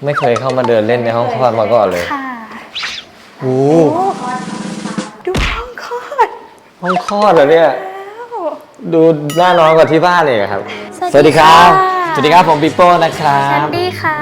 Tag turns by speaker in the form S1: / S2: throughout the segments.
S1: ไม่เคยเข้ามาเดินเล่นในห้องคลอดมาก่อนเลย
S2: ค่ะ
S1: โอ้
S2: ดูห้องคลอด
S1: ห้องคลอดเหรอเนี่ยดูน่านอนกว่าที่บ้านเลยครับสวัสดีครับสวัสดีครับผมปิโป้นะครับ
S2: สวัสดีค่ะ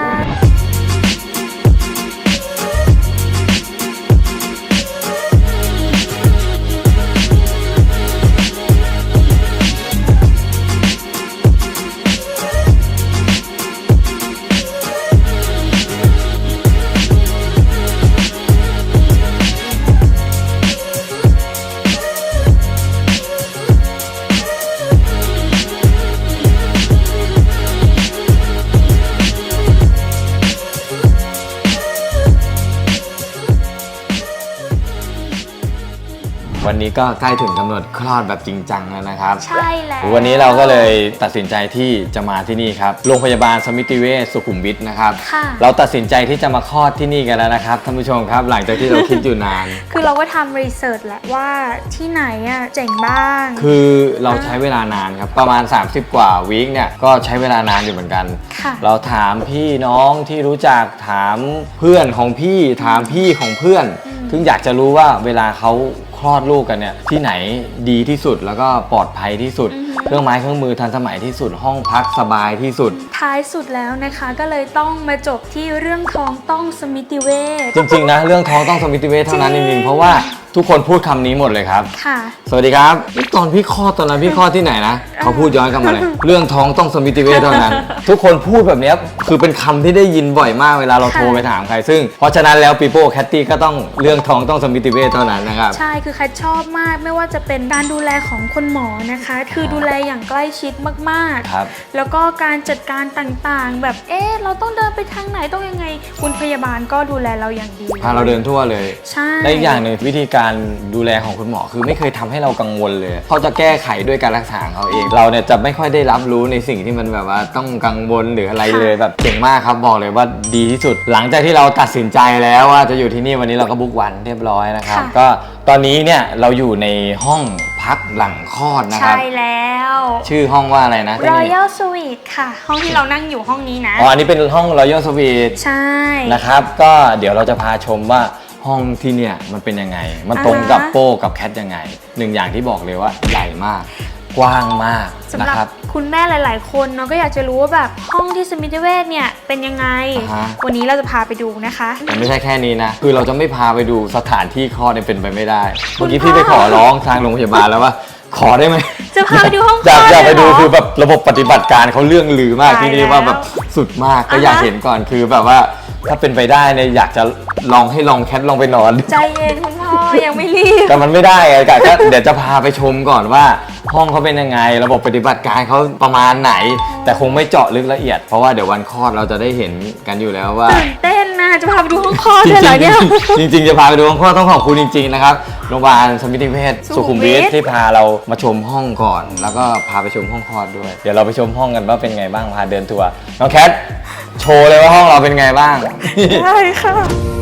S1: วันนี้ก็ใกล้ถึงกำหนดคลอดแบบจริงจังแล้วนะครับ
S2: ใช่แล้ว
S1: วันนี้เราก็เลยตัดสินใจที่จะมาที่นี่ครับโรงพยาบาลสมิติเวชสุขุมวิทนะครับเราตัดสินใจที่จะมาคลอดที่นี่กันแล้วนะครับท่านผู้ชมครับหลังจากที่เราคิดอยู่นาน
S2: คือเราก็ทำรีเสิร์ชแหละว่าที่ไหนอ่ะเจ๋งบ้าง
S1: คือเราใช้เวลานานครับประมาณ30กว่าวีคเนี่ยก็ใช้เวลานานอยู่เหมือนกันเราถามพี่น้องที่รู้จักถามเพื่อนของพี่ถามพี่ของเพื่อนถึงอยากจะรู้ว่าเวลาเขาคลอดลูกกันเนี่ยที่ไหนดีที่สุดแล้วก็ปลอดภัยที่สุดเครื่องไม้เครื่องมือทันสมัยที่สุดห้องพักสบายที่สุด
S2: ท้ายสุดแล้วนะคะก็เลยต้องมาจบที่เรื่องท้องต้องสมิติเวช
S1: จริงๆนะเรื่องท้องต้องสมิติเวชเท่านั้นจริงๆเพราะว่าทุกคนพูดคำนี้หมดเลยครับ
S2: ค่ะ
S1: สวัสดีครับตอนพี่คลอดตอนนั้นพี่คลอดที่ไหนนะเขาพูดย้อนกลับมาเลยเรื่องท้องต้องสมิติเวชเท่านั้นทุกคนพูดแบบนี้คือเป็นคำที่ได้ยินบ่อยมากเวลาเราโทรไปถามใครซึ่งเพราะฉะนั้นแล้วปีโป้แคทตี้ก็ต้องเรื่องท้องต้องสมิติเวชเท่านั้นนะครับ
S2: ใช่คือแคทชอบมากไม่ว่าจะเป็นการดูแลของคุณหมอนะคะคือดูแลอย่างใกล้ชิดมากๆแล้วก็การจัดการต่างๆแบบเราต้องเดินไปทางไหนต้องยังไงคุณพยาบาลก็ดูแลเราอย่างดี
S1: พาเราเดินทั่วเลย
S2: ใช่
S1: และอีกอย่างหนึ่งวิธีการดูแลของคุณหมอคือไม่เคยทำให้เรากังวลเลยเขาจะแก้ไขด้วยการรักษาเขาเองเราเนี่ยจะไม่ค่อยได้รับรู้ในสิ่งที่มันแบบว่าต้องกังวลหรืออะไรเลยแบบเก่งมากครับบอกเลยว่าดีที่สุดหลังจากที่เราตัดสินใจแล้วว่าจะอยู่ที่นี่วันนี้เราก็บุ๊กวันเรียบร้อยนะครับก็ตอนนี้เนี่ยเราอยู่ในห้องพักหลังคลอดนะครับ
S2: ใช่แล้ว
S1: ชื่อห้องว่าอะไรนะ
S2: Royal Suite ค่ะห้องที่เรานั่งอยู่ห้องนี้นะ
S1: อันนี้เป็นห้อง Royal Suite
S2: ใช่
S1: นะครับก็เดี๋ยวเราจะพาชมว่าห้องที่เนี่ยมันเป็นยังไงมันตรงกับโป้กับแคทยังไงหนึ่งอย่างที่บอกเลยว่าใหญ่มากกว้างมาก
S2: นะครับคุณแม่หลายๆคนเนาะก็อยากจะรู้ว่าแบบห้องที่สมิติเวชเนี่ยเป็นยังไงวันนี้เราจะพาไปดูนะคะ
S1: แต่ไม่ใช่แค่นี้นะคือเราจะไม่พาไปดูสถานที่คลอดเนี่ยเป็นไปไม่ได้เมื่อกี้พี่ไปขอร้องทางโรงพยาบาลแล้วว่าขอได้ไหม
S2: จะพาไปดูห้องคลอด
S1: อยากไปดูคือแบบระบบปฏิบัติการเขาเรื่องลือมากที่นี่ว่าแบบสุดมากก็อยากเห็นก่อนคือแบบว่าถ้าเป็นไปได้เนี่ยอยากจะลองแคทลองไปนอน
S2: ใจเย็นคุณพ่อยังไม่รีบ
S1: แต่มันไม่ได้ไงก็เดี๋ยวจะพาไปชมก่อนว่าห้องเขาเป็นยังไงระบบปฏิบัติการเขาประมาณไหนแต่คงไม่เจาะลึกละเอียดเพราะว่าเดี๋ยววันคลอดเราจะได้เห็นกันอยู่แล้วว่า
S2: ตื่นเต้นนะจะพาไปดูห้องคลอดเลยเหรอเนี่ย
S1: จริงๆจะพาไปดูห้องคลอดต้องขอบคุณจริงๆนะครับโรงพยาบาลสมิติเวชสุขุมวิทที่พาเรามาชมห้องก่อนแล้วก็พาไปชมห้องคลอดด้วยเดี๋ยวเราไปชมห้องกันว่าเป็นไงบ้างพาเดินทัวร์น้องแคทโชว์เลยว่าห้องเราเป็นไงบ้าง
S2: ใช่ค่ะ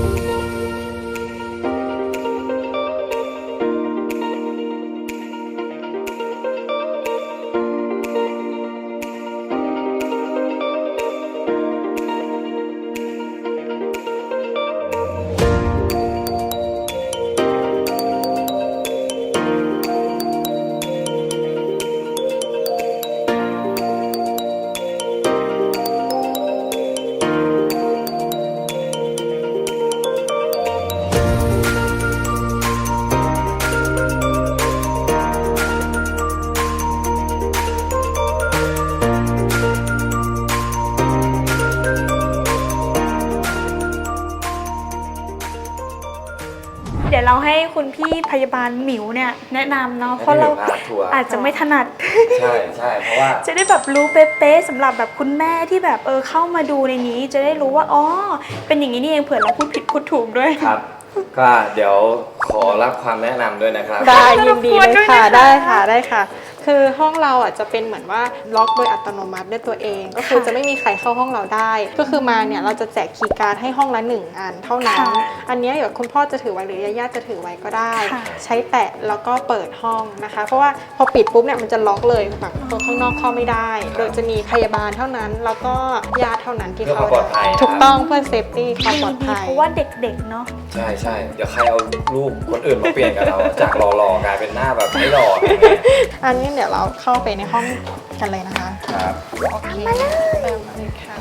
S2: เดี๋ยวเราให้คุณพี่พยาบาลหมิวเนี่ยแนะนำเนาะเพราะเราอาจจะไม่ถนัด
S1: ใช่เพราะว่า
S2: จะได้แบบรู้เป๊ะๆสำหรับแบบคุณแม่ที่แบบเข้ามาดูในนี้จะได้รู้ว่าอ๋อเป็นอย่างนี้นี่เองเผื่อเราพูดผิดพูดถูกด้วย
S1: ครับก็เดี๋ยวขอรับความแนะนำด้วยนะครับ
S3: ได้ยินดีเลยค่ะได้ค่ะคือห้องเราอ่ะจะเป็นเหมือนว่าล็อกโดยอัตโนมัติด้วยตัวเอง ก็คือจะไม่มีใครเข้าห้องเราได้ ก็คือมาเนี่ยเราจะแจกคีย์การ์ดให้ห้องละ1 อันเท่านั้น อันนี้เดี๋ยวคุณพ่อจะถือไว้หรือญาติจะถือไว้ก็ได้ ใช้แตะแล้วก็เปิดห้องนะคะ เพราะว่าพอปิดปุ๊บเนี่ยมันจะล็อกเลยแบบคนข้างนอกเข้าไม่ได้ โดยจะมีพยาบาลเท่านั้นแล้วก็ญาติเท่านั้นที่เข้าได้ถูกต้องเพื่อเซฟตี้ความปลอดภัย
S2: เพราะว่าเด็กๆเนาะ
S1: ใช่ใช่เดี๋ยวใครเอารูปคนอื่นมาเปลี่ยนกับเรา จากหล่อๆกลายเป็นหน้าแบบไม่หล่อ
S3: อันนี้เดี๋ยวเราเข้าไปในห้องกันเลยนะคะ
S1: ครับ
S3: โอเคเริ่มเลยค่ะ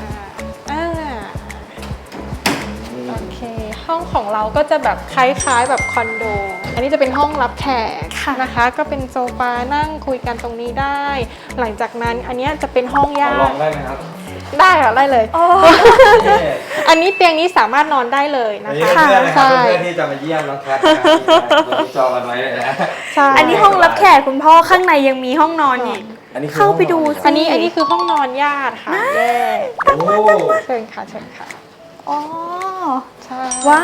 S3: โอเค ห้องของเราก็จะแบบคล้ายๆแบบคอนโด อันนี้จะเป็นห้องรับแขกนะคะ ก็เป็นโซฟานั่งคุยกันตรงนี้ได้ หลังจากนั้นอันนี้จะเป็นห้องญา
S1: ลอง
S3: ติ
S1: ได้ไหมครับ
S3: ได้ค่ะได้เลย อันนี้เตียงนี้สามารถนอนได้เลย
S1: อั
S3: นะ
S1: นนี้
S3: คะ
S1: เพื่อนๆนะครับ
S3: ใช่
S1: เพื่อนๆที่จะมาเยี่ยมน้องแคทนะครับเราจองกันไว้เลยนะ
S3: ใช่
S2: อันนี้ห้องรับแขกคุณพ่อข้างในยังมีห้องนอนอีก
S1: อันนี้คือ
S2: เข้าไปดู
S1: ห้องน
S3: อันนี้คือห้องนอนญาติค่ะแยก
S1: โอ้
S3: เชิญค่ะเชิญค่ะ
S2: อ๋อ
S3: ใช่
S2: ว้าว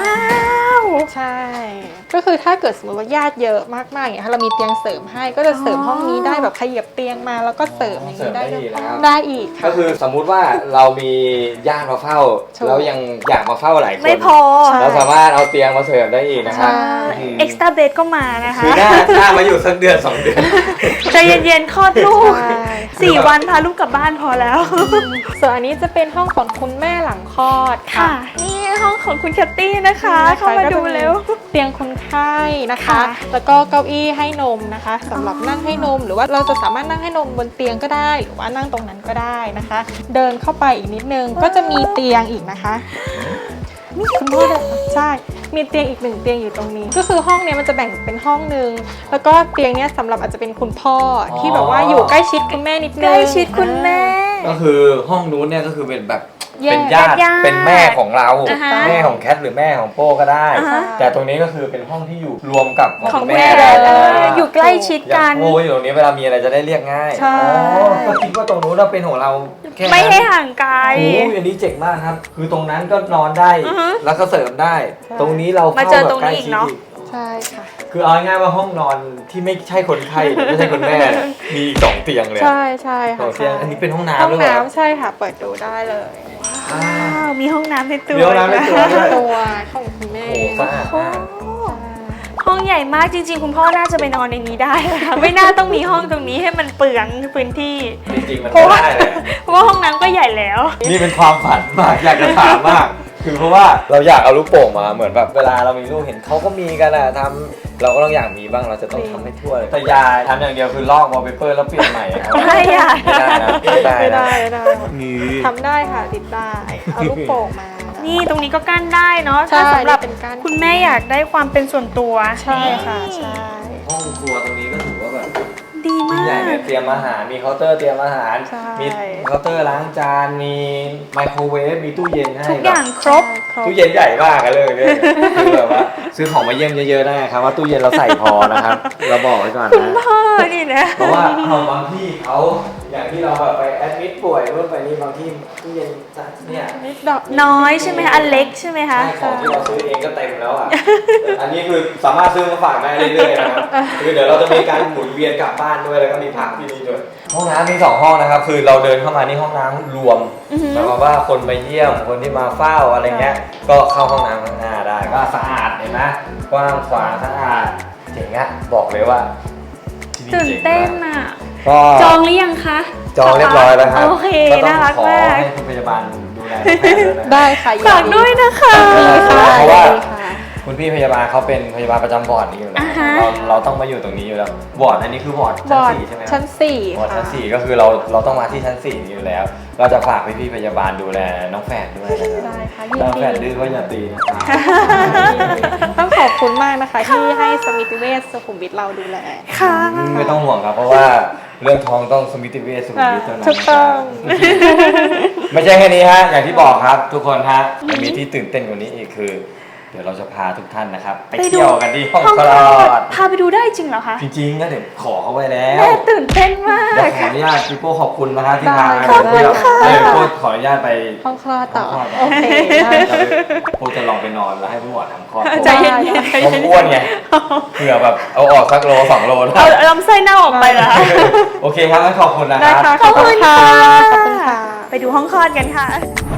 S3: ใช่ ก็คือถ้าเกิดสมมติว่าญาติเยอะมากๆอย่างเงี้ยเรามีเตียงเสริมให้ก็จะเสริมห้องนี้ได้แบบขยับเตียงมาแล้วก็เสริมอย่างนี้ได้ด้วยได้อีก
S1: ก็
S3: ค่ะ
S1: คือสมมุติว่าเรามีญาติมาเฝ้า
S3: ถูก
S1: แล้วยังอยากมาเฝ้าหลายคน
S2: ไม่พอ
S1: เราสามารถเอาเตียงมาเสริมได้อีกนะครับ
S3: ใช่
S2: เอ็กซ์ตร้าเบดก็มานะคะ
S1: คือหน้ามาอยู่สักเดือน 2 เดือน
S2: ใจเย็นๆคลอดลูก
S3: ใช่
S2: 4 วันพาลูกกลับบ้านพอแล้ว
S3: ส่วนอันนี้จะเป็นห้องของคุณแม่หลังคลอด
S2: ค่ะ นี่ห้องของคุณแคตตี้นะคะ เข้ามาดูเร็ว
S3: เตียงคนไข้นะคะ
S2: ค่ะ
S3: แล้วก็เก้าอี้ให้นมนะคะสำหรับนั่งให้นม หรือว่าเราจะสามารถนั่งให้นมบนเตียงก็ได้ หรือว่านั่งตรงนั้นก็ได้นะคะ เดินเข้าไปอีกนิดนึงก็จะมีเตียงอีกนะคะคุณพ่อใช่ มีเตียงอีก1เตียงอยู่ตรงนี้ ก็คือห้องเนี้ยมันจะแบ่งเป็นห้องนึงแล้วก็เตียงเนี้ยสำหรับอาจจะเป็นคุณพ่อที่แบบว่าอยู่ใกล้ชิดคุณแม่นิดนึง
S2: ใกล้ชิดคุณแม่
S1: ก็คือห้องนู้นเนี่ยก็คือเป็นแบบ
S3: แยก
S1: เป็นญาติ
S2: ญาติ
S1: เป็นแม่ของเรา
S2: อ่าฮะ
S1: แม่ของแคทหรือแม่ของโป้ก็ได้
S2: อ่าฮะ
S1: แต่ตรงนี้ก็คือเป็นห้องที่อยู่รวมกับ
S2: ของ
S1: แม่
S2: แม่
S1: ได้
S2: อยู่ใกล้ชิด
S1: อย่า
S2: กั
S1: ง
S2: น
S1: โป้อยู่ตรงนี้เวลามีอะไรจะได้เรียกง่าย
S3: ใช่
S1: อ๋อก็คิดว่าตรงนู้นเราเป็นของเราแค่นั้น
S2: ไม่ให้ห่างไกล
S1: โอ้ยอันนี้เจ๋งมากครับ คือตรงนั้นก็นอนได้
S2: อือฮึ
S1: แล้วก็เสริมได้ ตรงนี้เรา
S2: มา
S1: เข้า
S2: เจอ
S1: แบ
S2: ตร
S1: บ
S2: ง
S1: ใกล้
S2: นี้อีก
S1: ชิด
S2: เนาะ
S1: อีก
S3: ใช่ค่ะ
S1: คือเอาง่ายๆว่าห้องนอนที่ไม่ใช่คนไข้หรือไม่ใช่คนแม่เนี่ยมีอีก2 เตียงเลย
S3: ใช่ใช่
S1: ส
S3: ค่ะ
S1: องเตียงอันนี้เป็นห้องน้ำ
S3: ห้อง
S1: ด้วยเหรอ
S3: น้ำใช่ค่ะ เปิดดูได้เลย
S1: อ่า
S2: ว้าว มีห้องน้ำในตัว
S1: มีห้องน้ำในตัวด้วย
S3: ตัวของคุณแม่
S1: โอ้โหสะอาดมาก
S2: ห้องใหญ่มากจริงๆ คุณพ่อน่าจะไปนอนในนี้ได้นะคะไม่น่าต้องมีห้องตรงนี้ให้มันเปลืองพื้นที่
S1: จริงๆมันก็ได้เลย
S2: เพราะว่าห้องน้ำก็ใหญ่แล้ว
S1: นี่เป็นความฝันมากอยากจะถามมาก คือเพราะว่าเราอยากเอาลูกโป่งมาเหมือนแบบเวลาเรามีลูกเห็นเขาก็มีกันอะทำเราก็ต้องอยากมีบ้างเราจะต้องทำให้ทั่วเลยแต่ยายทำอย่างเดียวคือลอกวอลเปเปอร์แล้วเปลี่ยนใหม่อะครับ
S2: ไม่อะ
S1: ไม่ได้นะไม่ได้
S3: ไม่
S1: นะ
S3: ได้ไม่ได้
S1: มี
S3: ทำได้ค่ะติดได้เอาลูกโป่งมา
S2: นี่ตรงนี้ก็กั้นได้เนาะ
S3: ใช่
S2: ถ้าสำหรับ
S3: เป็นกั้น
S2: คุณแม่อยากได้ความเป็นส่วนตัว
S3: ใช่ค่ะใช่
S1: ห้องครัวตรงนี้ก็ถือว่าแบบ
S2: ดี
S1: ยิ่
S2: มาง
S1: ใหญ่
S2: ก
S1: เนี่ยเตรียมอาหารมีเคาน์เตอร์เตรียมอาหาร
S3: ใช่
S1: มีเคาน์เตอร์ล้างจานมีไมโครเวฟมีตู้เย็นให้
S2: ทุกอย่างครบ
S1: ตู้เย็นใหญ่มากอะเลยเนี่ยคือแบบว่าซื้อของมาเยี่ยมเยอะๆได้ครับว่าตู้เย็นเราใส่พอนะครับเราบอกไว้ก่อนนะ
S2: พ่อนี่นะ
S1: เพราะว่าเอาบางที่เขาอย่างที่เราแบบไปแอดมิดป่วยเมื่อไปนี่บางที่ตู้เย็นเนี่ย
S3: นิดดอก
S2: น้อยใช่ไหมคะอันเล็กใช่ไหมคะ
S1: ใช่ของที่เราซื้อเองก็เต็มแล้วอ่ะ อันนี้คือสามารถซื้อมาฝากได้เรื่อยๆนะครับคือเดี๋ยวเราจะมีการหมุนเวียนกลับบ้านด้วยแล้วก็มีพักที่นี่ด้วยห้องน้ำมี2 ห้องนะครับคือเราเดินเข้ามานี่ห้องน้ำรวม
S2: อือหือ
S1: หมายความว่าคนมาเยี่ยมคนที่มาเฝ้าอะไรเงี้ยก็เข้าห้องน้ำข้างหน้าได้ก็สะอาดเห็นไหมกว้างขวางสะอาดเจ๋งอะบอกเลยว่าที่นี่
S2: ตื่น
S1: เจ๋ง
S2: เต้น
S1: มาก
S2: อ่ะ
S1: ก็
S2: จองหรือยังคะ
S1: จองเรียบร้อยแล้วครับ
S2: โอเค
S1: ก็ต้อ
S2: น่างรัก
S1: ขอ
S2: มาก
S1: ให้คุณพยาบาลดูแลน้องแพทย์ด้วยนะ
S3: ได้ค่ะ
S2: ฝากด้วยนะคะ
S1: เพราะว่า
S3: ดีค่ะ
S1: คุณพี่พยาบาลเขาเป็นพยาบาลประจำวอร์ดนี้อยู่แล้ว
S2: อ่าฮะ
S1: เราต้องมาอยู่ตรงนี้อยู่แล้ววอร์ดอันนี้คือวอร์ด
S3: บ
S1: ชั้น
S3: อร์ด
S1: 4ใช่ไหมครับ
S3: ชั้น
S1: วอร์ด
S3: 4 ค่ะ
S1: ชั้น4ก็คือเราต้องมาที่ชั้น4อยู่แล้ว เราจะฝากพี่พยาบาลดูแลน้องแฝดด้วยนะครับ
S3: ได้ค่ะยิน
S1: น้องแฝด
S3: ดี
S1: ดื้อก็อย่าตีนะครับ
S3: ต้องขอบคุณมากนะคะ ที่ให้สมิติเวชสุขุมวิทเราดูแล
S2: ค่ะ
S1: ไม่ต้องห่วงครับเพราะว่าเรื่องท้องต้องสมิติเวชสุขุมวิทเท่านั้น
S3: ถูกต้อง
S1: ไม่ใช่แค่นี้ฮะอย่างที่บอกครับ ทุกคนฮะมันมีที่ตื่นเต้นกว่านี้อีกคือเดี๋ยวเราจะพาทุกท่านนะครับไปเที่ยวกันที่ห้องคลอด
S2: พาไปดูได้จริงเหรอคะ
S1: จริงๆก็เดี๋ยวขอเขาไว้แล้ว
S2: แม่ตื่นเต้นมาก
S1: เดี๋ยวขออนุญาตพี่โป้ขอบคุณนะครับที่พา
S3: ขอบคุณค่ะ
S1: เดี๋ยวโป้ขออนุญาตไป
S3: ห้องคลอดต่อ
S1: ห้องคลอด
S3: โอเคได้
S1: โป้จะลองไปนอนแล้วให้พี่หมอทำคลอด
S2: ใจเย็นๆใจ
S1: ผม
S2: เย็น
S1: อ้วนไงเผื่อแบบเอาออกสักโล2 โลนะ
S2: ๆเอาลำไส้เน่าออกไปเหรอคะ
S1: โอเคครับงั้นขอบคุณนะค
S3: ได้
S1: รับ
S3: ค่ะ
S2: ขอบคุณค่ะ
S3: ขอบคุณค่ะ
S2: ไปดูห้องคลอดกันค่ะ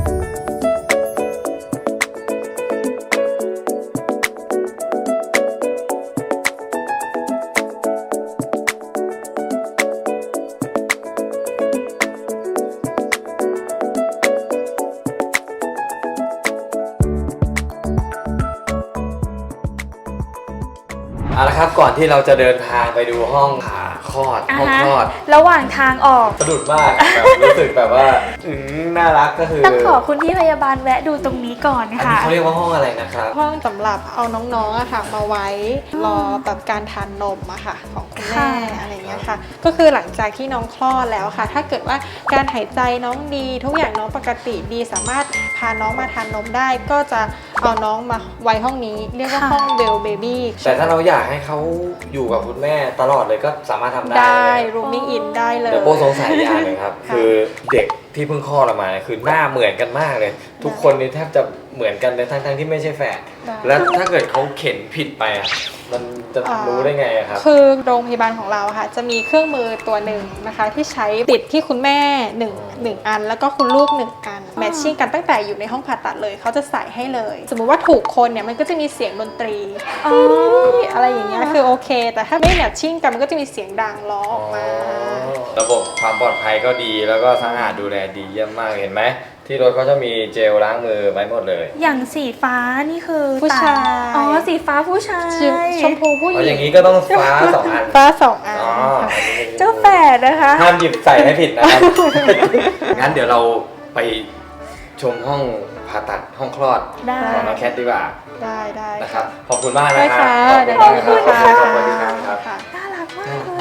S1: เอาละครับก่อนที่เราจะเดินทางไปดูห้องผ่าคลอดห้องคลอด
S2: ระหว่างทางออก
S1: สะดุดมากแบบรู้สึกแบบว่าน่ารักก็คือ
S2: ต้องขอคุณพี่พยาบาลแวะดูตรงนี้ก่อน
S1: อันนี้
S2: ค่ะ
S1: เขาเรียกว่าห้องอะไรนะครับ
S3: ห้องสำหรับเอาน้องๆอะค่ะมาไว้รอแบบการทานนมอะค่ะของคุณแม่
S2: ค่ะ
S3: อะไรอย่างเงี้ยค่ะ ก็คือหลังจากที่น้องคลอดแล้วค่ะ ถ้าเกิดว่าการหายใจน้องดี ทุกอย่างน้องปกติดีสามารถพาน้องมาทานนมได้ ก็จะเอาน้องมาไว้ห้องนี้เรียกว่าห้องเบลเบบี้
S1: แต่ถ้าเราอยากให้เขาอยู่กับคุณแม่ตลอดเลยก็สามารถทำได้
S3: ได้
S1: เลย
S3: rooming in ได้เลย
S1: เดี๋ยวโป้สงสัยอย่างหนึ่งครับ
S3: ค่ะ
S1: คือเด็กที่เพิ่งคลอดออกมาเนี่ยคือหน้าเหมือนกันมากเลย ทุกคนนี่แทบจะเหมือนกันเลยทั้งๆที่ไม่ใช่แฝด
S3: ได้
S1: แล้วถ้าเกิดเขาเข็นผิดไปอ่ะมันจะรู้ได้ไงอะครับ
S3: คือโรงพยาบาลของเราค่ะจะมีเครื่องมือตัวหนึ่งนะคะ ที่ใช้ติดที่คุณแม่1อัน แล้วก็คุณลูก1อันแมทชิ่งกันตั้งแต่อยู่ในห้องผ่าตัดเลยเขาจะใส่ให้เลย สมมุติว่าถูกคนเนี่ยมันก็จะมีเสียงดนตรี
S2: อ๋อ
S3: อะไรอย่างเงี้ยคือโอเค แต่ถ้าไม่แมทชิ่งกันมันก็จะมีเสียงดังร้องออกมา
S1: ระบบความปลอดภัยก็ดีแล้วก็สะอาดดูแลดีเยี่ยมมากเห็นไหมที่รถเขาจะมีเจลล้างมือไว้หมดเลย
S2: อย่างสีฟ้านี่คือ
S3: ผู้ชาย
S2: อ๋อ สีฟ้าผู้ชาย
S3: ชมพูผู้ห
S1: เอา
S3: ญิ
S1: อย่าง นี้ก็ต้องฟ้า2 อัน
S3: ฟ้า2 อัน
S1: อ๋อ
S2: เจ้าแฝดนะคะ
S1: ห้ามหยิบใส่ให้ผิดนะครับ งั้นเดี๋ยวเราไปชมห้องผ่าตัดห้องคลอด
S2: ได้
S1: ของน้องแคทดีกว่า
S3: ได้
S1: นะครับ ขอบคุณมาก
S3: ได้
S1: นะครั
S3: ค่ะ
S1: ขอบคุณมาก
S3: ได้
S1: ครับ
S3: ค่ะ
S1: ขอบคุณครับ
S3: ค่ะ
S2: น่ารักมากเลย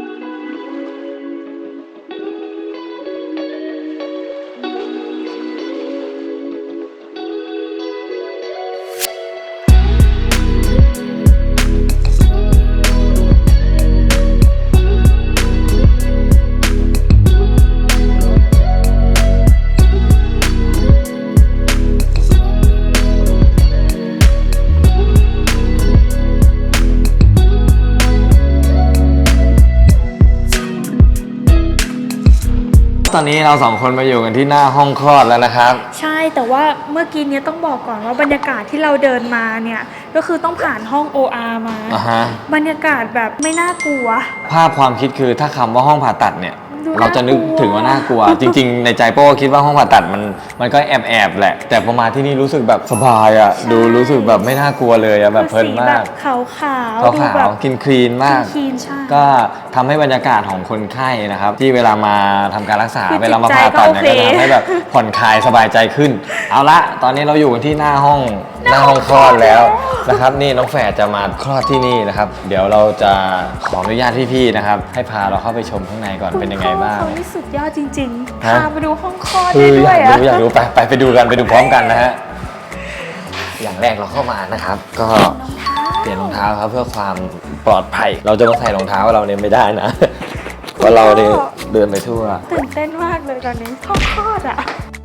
S1: ตอนนี้เรา2 คนมาอยู่กันที่หน้าห้องคลอดแล้วนะครับ
S2: ใช่ แต่ว่าเมื่อกี้เนี้ยต้องบอกก่อนว่าบรรยากาศที่เราเดินมาเนี่ย ก็คือต้องผ่านห้อง OR มา
S1: อ่าฮะ
S2: บรรยากาศแบบไม่น่ากลัว
S1: ภาพความคิดคือถ้าคำว่าห้องผ่าตัดเนี่ย
S2: ดู
S1: เราจะนึกถึงว่าน่ากลัว จริง ๆ ในใจโป้คิดว่าห้องผ่าตัดมันก็แอบแหละ แต่พอมาที่นี่รู้สึกแบบสบายอ่ะ ดูรู้สึกแบบไม่น่ากลัวเลยอ่ะแบบเพลิน
S2: สี
S1: มา
S2: แบ
S1: ก
S2: บขาวๆ
S1: ขาว
S2: ดูแบบ
S1: ๆกินคลีนมาก
S2: คลีนใช่
S1: ก็ทำให้บรรยากาศของคนไข้นะครับ ที่เวลามาทำการรักษา
S2: คือ
S1: เวลามาผ่าตัดเนี่ย
S2: จิตใจก็โอเค
S1: ก็ทำให้แบบผ่อนคลายสบายใจขึ้น เอาละตอนนี้เราอยู่กันที่หน้าห้องคลอดแล้วนะครับ นี่น้องแฝดจะมาคลอดที่นี่นะครับ เดี๋ยวเราจะขออนุญาตพี่ๆนะครับ ให้พาเราเข้าไปชมข้างในก่อนเป็นยังไงบ้าง
S2: เขานี่สุดยอดจริงๆ
S1: ฮะ
S2: พาไปดูห้องคลอด
S1: คื
S2: ได้
S1: อ
S2: ด้วย
S1: อยากดูไปดูกันไปดูพร้อมกันนะฮะอย่างแรกเราเข้ามานะครับ ก็เปลี่ยนรองเท้าครับเพื่อความปลอดภัย เราจะมาใส่รองเท้าเราเนี่ยไม่ได้นะ เพราะเราเนี่ยเดินไปทั่ว
S2: ตื่นเต้นมากเลยตอนนี้ห้องคลอดอ่ะ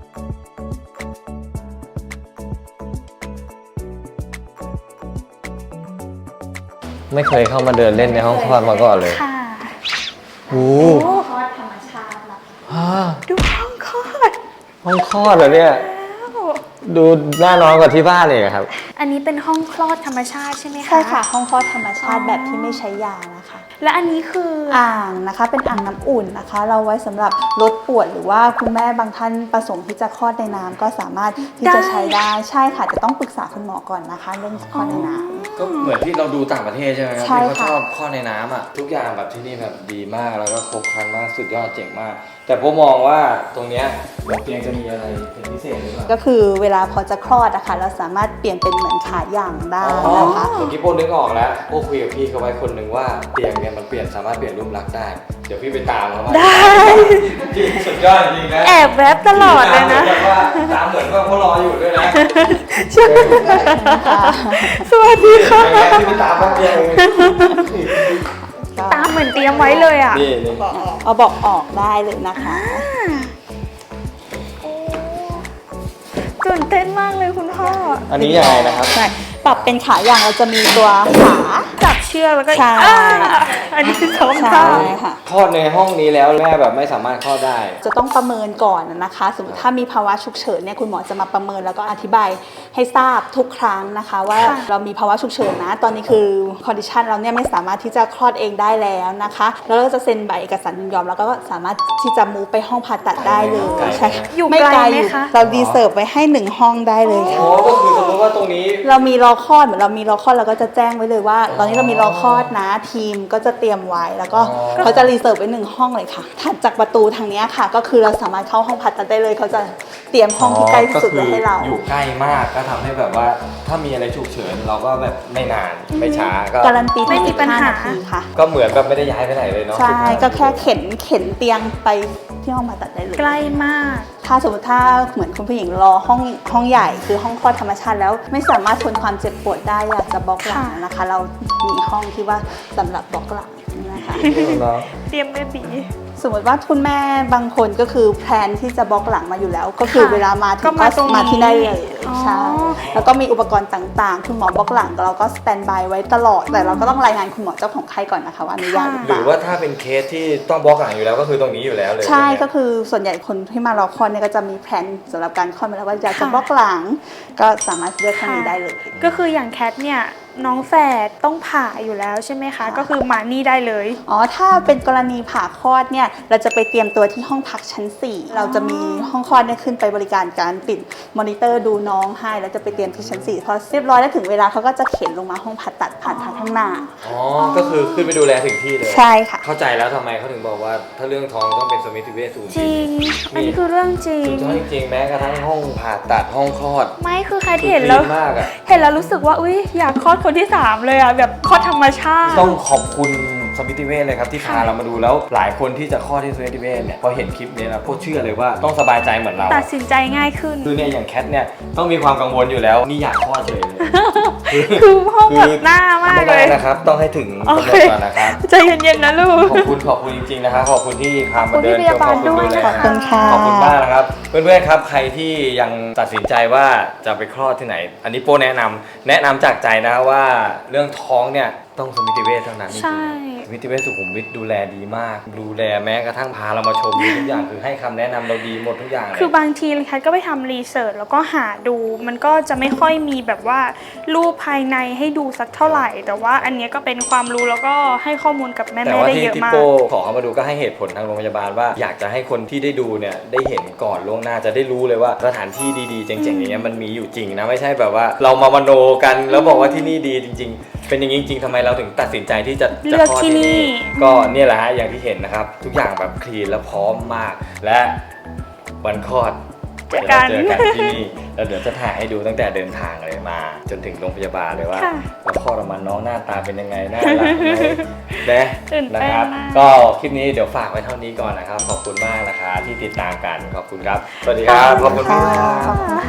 S1: ไม่เคยเข้ามาเดินเล่นในห้องคลอดมาก่อนเลย
S2: ค่ะ
S1: โอ้
S2: โอ้
S3: คลอดธรรมชาติ
S1: ฮ่า
S2: ดูห้องคลอด
S1: ห้องคลอดเหรอเนี่ย
S2: แล้ว
S1: ดูน่านอนกว่าที่บ้านเลยอะครับ
S2: อันนี้เป็นห้องคลอดธรรมชาติใช่ไหมคะ
S4: ใช่ค่ะ ห้องคลอดธรรมชาติ
S2: อ๋อ
S4: แบบที่ไม่ใช้ยานะคะ
S2: และอันนี้คือ
S4: อ่างนะคะเป็นอ่างน้ำอุ่นนะคะ เราไว้สำหรับลดปวดหรือว่าคุณแม่บางท่านประสงค์ที่จะคลอดในน้ำก็สามารถที่จะใช้ได้ใช่ค่ะแต่ต้องปรึกษาคุณหมอก่อนนะคะเรื่องคลอดในน้ำ
S1: ก็เหมือนที่เราดูต่างประเทศใช่ไหมครับ
S4: ใช่
S1: ที่เขา
S4: ค่ะ
S1: ชอบคลอดในน้ำอ่ะทุกอย่างแบบที่นี่แบบดีมากแล้วก็ครบครันมากสุดยอดเจ๋งมาก แต่ผมมองว่าตรงเนี้ยบนเตียงจะมีอะไรเป็นพิเศษหรือเปล่า
S4: ก็คือเวลาพอจะคลอดนะคะเราสามารถเปลี่ยนเป็นเหมือนขาย่างได้
S1: อ๋อ
S4: นะคะ
S1: เมื่อกี้โป้นึกออกแล้วโป้คุยกับพี่เขาไว้คนหนึ่งว่าเตียงเนี่ยมันสามารถเปลี่ยนรูปลักษณ์ได้ เดี๋ยวพี่ไปตามเขามา
S2: ได้
S1: จริงสุดยอดจริงนะ
S2: แอบแวบตลอดเลยนะ
S1: ตามเหมือนว่าเขารออยู่ด้วยนะ
S2: สวัสดีค่ะ
S1: ที่ไม่ตามมาเดียว
S2: ตามเหมือนเตรียมไว้เลยอ่ะ
S1: นี่
S4: เอาเบอกออกได้เลยนะคะ
S2: ตื่นเต้นมากเลยคุณพ่อ
S1: อันนี้ยังไงนะครับ
S4: ใช่ปรับเป็นขาอย่างเราจะมีตัวขา
S2: จับเชือกแล้วก็
S4: ใช่
S2: อันนี้ซ้อม
S4: ใช่
S2: ท่า
S4: ค่ะ
S1: คลอดในห้องนี้แล้วแม่แบบไม่สามารถคลอดได้
S4: จะต้องประเมินก่อนนะคะ สมมติถ้ามีภาวะฉุกเฉินเนี่ยคุณหมอจะมาประเมินแล้วก็อธิบายให้ทราบทุกครั้งนะคะ ว่าเรามีภาวะฉุกเฉินนะ ตอนนี้คือคอนดิชันเราเนี่ยไม่สามารถที่จะคลอดเองได้แล้วนะคะ แล้วเราก็จะเซ็นใบเอกสารยินยอมแล้วก็สามารถที่จะมูฟไปห้องผ่าตัดได้เลย
S1: ไกลไหม
S4: ใช่ค่ะ
S2: อยู่
S4: ไม่
S2: ไกล
S4: ไกล
S2: ไหม
S4: อยู่
S2: คะ
S4: เราดีเซิร์ฟไว้ให้1ห้องได้เลยค่ะ
S1: อ๋อก็คือสมมติว่าตรงนี้
S4: เรามีรอคลอดเหมือนเรามีรอคลอดเราก็จะแจ้งไว้เลยว่า ตอนนี้เรามีรอคลอดนะทีมก็จะเตรียมไว้แล้วก็เขาจะรีเซิร์ฟไว้1ห้องเลยค่ะถัดจากประตูทางเนี้ยค่ะ ก็คือเราสามารถเข้าห้องผ่าตัดได้เลยเขาจะเตรียมห้องที่ใกล้ที่สุดไว้ให้เรา
S1: อยู่ใกล้มากก็ทำให้แบบว่าถ้ามีอะไรฉุกเฉินเราก็แบบไม่นานไม่ช้าก็
S4: การันตี
S2: ไม่มีปัญหา
S4: 15 นาทีค่ะ
S1: ก็เหมือนแบบไม่ได้ย้ายไปไหนเลยเนาะ
S4: ใช่ก็แค่เข็นเตียงไปที่ห้องผ่าตัดได้เลย
S2: ใกล้มาก
S4: ถ้าสมมติถ้าเหมือนคุณผู้หญิงรอห้องใหญ่คือห้องคลอดธรรมชาติแล้วไม่สามารถทนความเจ็บปวดได้อยากจะบล็อกหลังนะคะ เรามีห้องที่ว่าสำหรับบล็อกหลังนะคะ
S2: เตรียมเบบี
S4: สมมติว่าคุณแม่บางคนก็คือแพลนที่จะบล็อกหลังมาอยู่แล้ว ก็คือ
S2: ค่ะ
S4: เวลามาถึง
S2: ก็มาตรงนี้
S4: มาที่ได้เลย
S2: อ๋อ
S4: ใช่แล้วก็มีอุปกรณ์ต่างๆ คุณหมอบล็อกหลังเราก็สแตนบายไว้ตลอดแต่เราก็ต้องรายงานคุณหมอเจ้าของไข้ก่อนนะคะว่าอนุญาตหรือ
S1: ห
S4: เป
S1: รือ
S4: ล่า
S1: ว่าถ้าเป็นเคสที่ต้องบล็อกหลังอยู่แล้วก็คือตรงนี้อยู่แล้วเลย
S4: ใช่ก็คือส่วนใหญ่คนที่มารอคลอดเนี่ยก็จะมีแผนสำหรับการคลอดมาแล้วว่าอยากจะบล็อกหลัง ก็สามารถเลือกทางนี้ได้เลย
S2: ก็คืออย่างแคทเนี่ยน้องแฝดต้องผ่าอยู่แล้วใช่ไหมคะ
S4: ค่ะ
S2: ก็คือมานี่ได้เลย
S4: อ๋อถ้าเป็นกรณีผ่าคลอดเนี่ยเราจะไปเตรียมตัวที่ห้องพักชั้น 4 เราจะมีห้องคลอดเนี่ยขึ้นไปบริการการติดมอนิเตอร์ดูน้องให้แล้วจะไปเตรียมที่ชั้น 4พอเรียบร้อยแล้วถึงเวลาเขาก็จะเข็นลงมาห้องผ่าตัดผ่านทางข้างหน้า
S1: อ๋อก็คือขึ้นไปดูแลถึงที่เลย
S4: ใช่ค่ะ
S1: เข้าใจแล้วทำไมเขาถึงบอกว่าถ้าเรื่องท้องต้องเป็นสมิติเวชศูนย์
S2: จริง อันนี้คือเรื่องจริง
S1: สุดยอดจริงๆแม้กระทั่งห้องผ่าตัดห้องคลอด
S2: ไม่คือใครเห็นแล้ว
S1: คือคลีนมากอะ
S2: เห็นแล้วรู้สึกว่าอุ้ยอยากคลอดคนที่ 3 เลยอ่ะแบบคลอดธรรมชาติ
S1: ต้องขอบคุณสมิติเวชเลยครับที่พาเรามาดูแล้วหลายคนที่จะคลอดที่สมิติเวชเนี่ยพอเห็นคลิปนี้นะโคตรเชื่อเลยว่าต้องสบายใจเหมือนเรา
S2: ตัดสินใจง่ายขึ้น
S1: คือเนี่ยอย่างแคทเนี่ยต้องมีความกังวลอยู่แล้วนี่อยากคลอดเลย
S2: คือห้องแบบหน้ามาก
S1: ไม่
S2: เล
S1: ได้
S2: ย
S1: นะครับต้องให้ถึง
S2: โอก
S1: ำหน
S2: เค
S1: ดก่อนนะครับ
S2: ใจเย็นๆนะลูก
S1: ขอบคุณจริงๆนะครับขอบคุณที่พามาเดิน
S2: ขอบคุณพี่พยาบาลด้วย
S1: ข
S2: นะคะ
S1: อบ
S4: ขอบคุณค่ะ
S1: ขอบคุณมากนะครับ เพื่อนๆครับใครที่ยังตัดสินใจว่าจะไปคลอดที่ไหน อันนี้โป้แนะนำจากใจนะว่าเรื่องท้องเนี่ยต้องสมิติเวชเท่านั้นจริงๆ
S2: ใช่
S1: สมิติเวชสุขุมวิทดูแลดีมาก ดูแลแม้กระทั่งพาเรามาชมทุกอย่างคือให้คำแนะนำเราดีหมดทุกอย่างเลย
S2: คือบางทีแคทก็ไปทำรีเสิร์ชแล้วก็หาดู มันก็จะไม่ค่อยมีแบบว่ารูปภายในให้ดูสักเท่าไหร่ แต่ว่าอันเนี้ยก็เป็นความรู้แล้วก็ให้ข้อมูลกับแม่
S1: แต่
S2: ๆ
S1: ว่า
S2: ได้
S1: ที่
S2: เยอะ
S1: ที่
S2: มาก
S1: โป้ขอเข้ามาดูก็ให้เหตุผลทางโรงพยาบาลว่าอยากจะให้คนที่ได้ดูเนี่ยได้เห็นก่อนล่วงหน้าจะได้รู้เลยว่าสถานที่ดีๆเจ๋งๆอย่างเงี้ยมันมีอยู่จริงนะไม่ใช่แบบว่าเรามามโนกันแล้วบอกว่าที่นี่ดีจริง ๆ เป็นอย่างนี้จริงๆทำไมเราถึงตัดสินใจที่จะ
S2: เลือก
S1: คลอด
S2: ที่นี่
S1: ก็เนี่ยแหละฮะอย่างที่เห็นนะครับทุกอย่างแบบคลีนและพร้อมมาก และวันคลอด
S2: เจอกัน
S1: เดี๋ยวเราเจอกันที่นี่แล้วเดี๋ยวจะถ่ายให้ดูตั้งแต่เดินทางเลยมา จนถึงโรงพยาบาลเลยว่า
S2: ค่ะ
S1: แล้วคลอดออกมาน้องหน้าตาเป็นยังไงน่ารักไหมนะ
S2: ตื่น
S1: นะ
S2: เต้น
S1: ครับ
S2: มาก
S1: ก็คลิปนี้เดี๋ยวฝากไว้เท่านี้ก่อนนะครับ ขอบคุณมากนะคะที่ติดตามกันขอบคุณครับ สวัสดีครับขอบคุณ
S4: ค่ะ
S1: มาก
S4: ขอบคุณ